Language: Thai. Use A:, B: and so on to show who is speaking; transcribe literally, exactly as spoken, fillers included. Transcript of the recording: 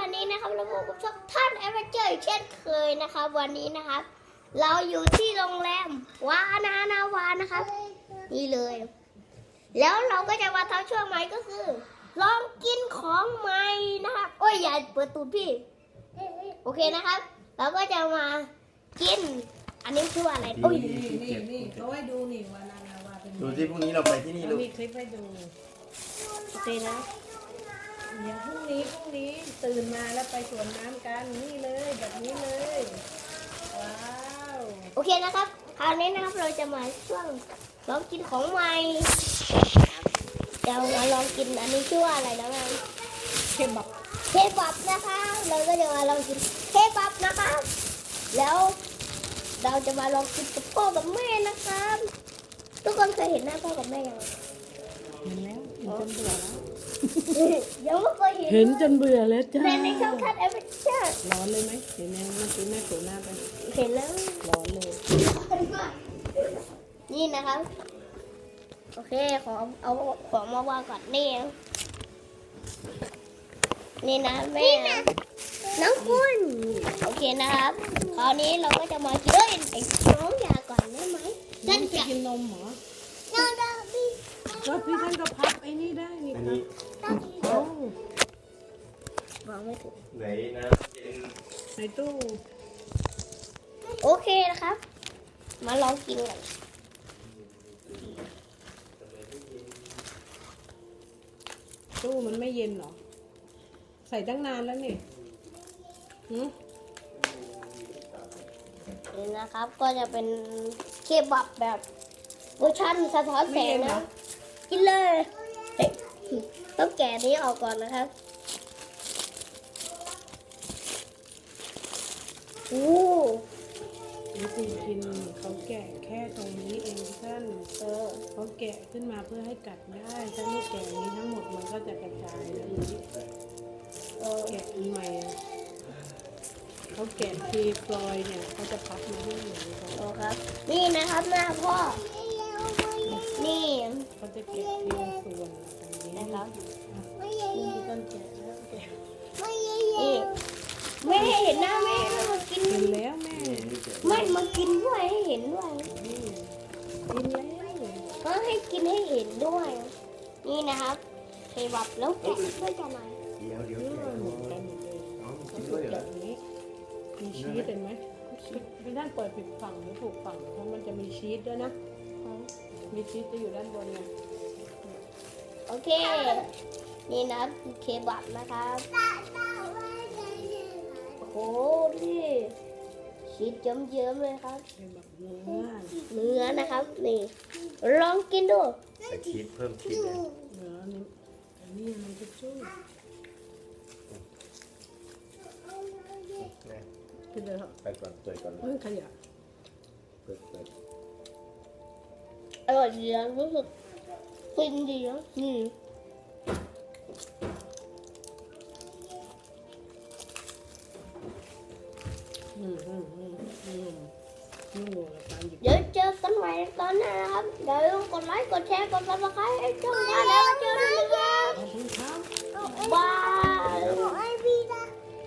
A: วันนี้นะครับเราพบกับช่องท่านแอดเวนเจอร์เช่นเคยนะครับวันนี้นะครับ เราอยู่ที่โรงแรมวานานาวานะครับนี่เลย แล้วเราก็จะมาทำช่วงใหม่ก็คือ ลองกินของใหม่นะครับโอ้ยอย่าเปิดตูดพี่โอเคนะครับ เราก็จะมากิน อันนี้คืออะไรโอ้ย
B: นี่นี่นี่เขาให้ดูนี่วานานาวาเป็นไง
C: ดูที่พรุ่งนี้เราไปที่นี่
B: เขา
C: ลูก
B: มีคลิปให้ดู
A: โอเคนะ
B: เดี๋ยวพรุ่งนี้พรุ่งนี้ตื่นมาแล้วไปสวนน้ำกันนี่เลยแบบนี้เลยว้าว
A: โอเคนะครับคราวนี้นะครับเราจะมาช่วงลองกินของใหม่เรามาลองกินอันนี้ชื่อว่าอะไรนะแม่
B: เคบับ
A: เคบับนะคะเราก็จะมาลองกินเคบับนะคะแล้วเราจะมาลองกินกับพ่อกับแม่นะครับทุกคนเคยเห็นหน้าพ่อกับแม่ยัง
B: เห็นแล้วเห็นจนเบื่อแล้ว
A: ยังไม่เคยเห็น
B: เห็นจนเบื่อแล้วจ้า
A: แต่ในช่องคัดแอปเปิลเชอร์
B: ร้อนเลยไหมเห็นไหมเมื่อกี้แม่ถูหน้าไป
A: เห็นแล้ว
B: ร้อนเลย
A: นี่นะครับโอเคขอเอาของมาวางก่อนนี่นี่นะแม่น้องคุณโอเคนะครับคราวนี้เราก็จะมากินเอ้ยไอ้น้องอยาก่อนได้ไหม
B: น้
A: ฉั
B: อน งจะ
A: จะ
B: กินนมเหรอ
A: น้องดาบี้
B: ก็พี่ท่านก็พับไอ้นี่ได้นี่
C: อัน
B: ครับ
C: นี้
B: เอ้าว
A: างไม่ถูก
C: ไหนนะเย็น
B: ในตู้
A: โอเคนะครับ มาลองกินกัน
B: ตู้มันไม่เย็นเหรอใส่ตั้งนานแล้วนี่หืม
A: นี่นะครับ ก็จะเป็นเคบับแบบเวอร์ชันสะท้อนแสงนะกินเลยเฮ้ยต้องแกะนี้ออกก่อนนะครับโอ้
B: วิธีกินเขาแกะแค่ตรงนี้เองท่าน
A: เออ
B: เขาแกะขึ้นมาเพื่อให้กัดได้ถ้าไม่แกะอย่างนี้ทั้งหมดมันก็จะกระจายแล้วนี้
A: เออ
B: แกะอันใหม่อะเขาแกะทีฟลอยเนี่ยเขาจะพับมาให้เหมือนกัน
A: โอ้ครับ นี่นะครับหน้าพ่อ นี่
B: เขาจะแกะทีละส่วนแบบนี้
A: นะครับ
B: นี่คือต้นแกะแล้วแกะ
A: นี่แม่ให้เห็นหน้าแม่แล้วมากิน
B: เห็นแล้วแม่
A: ไม่มากินด้วยให้เห็นด้วย
B: นี่กินแล้ว
A: ก็ให้กินให้เห็นด้วย นี่นะครับเคบับแล้วแกะด้วยกันหน่อย
C: เดี๋ยวเดี๋ยว
B: นี่
C: แกะ
B: มันเหมือน
C: ก่
B: กั
C: อน
B: นหมดเลย
C: เอา
B: เขา
C: กิน
B: ถู
C: ด้วย
B: ก
C: เหร
B: แบ
C: อบ
B: นี้มีชีสเห็นไหมไม่ด้านเปิดปิดฝั่งหรือถูกฝั่งเพราะมันจะมีชีสด้วยนะ มีชีสจะอยู่ด้านบนไง
A: โอเค นี่นะครับเคบับนะครับโอ้โหพี่ชีสเยิ้มๆเลยครับ
B: เป็นแบบเนื้อ
A: เนื้อนะครับ นี่ ลองกินดู
C: ใส่ชีสเพิ่มชีสเลย
B: เนื้อนี่อันนี้มันจะจุ้ย
C: นะ
B: กินเลยครับ
C: ไปก่อนเปิดก่อน
B: เฮ้ยขยะ
C: เปิดเปิด
A: อร่อยดีนะรู้สึกฟินดีนะนี่
B: อืมอืมอืมอืมนุ่มกับการหยิบ
A: เดี๋ยวเจอกันใหม่ตอนหน้านะครับเดี๋ยวกดไลค์ กดแชร์ กดซับสไครต์ให้ช่องเราแล้วเจอกันนะครับ
B: ขอบคุณครับ
A: บาย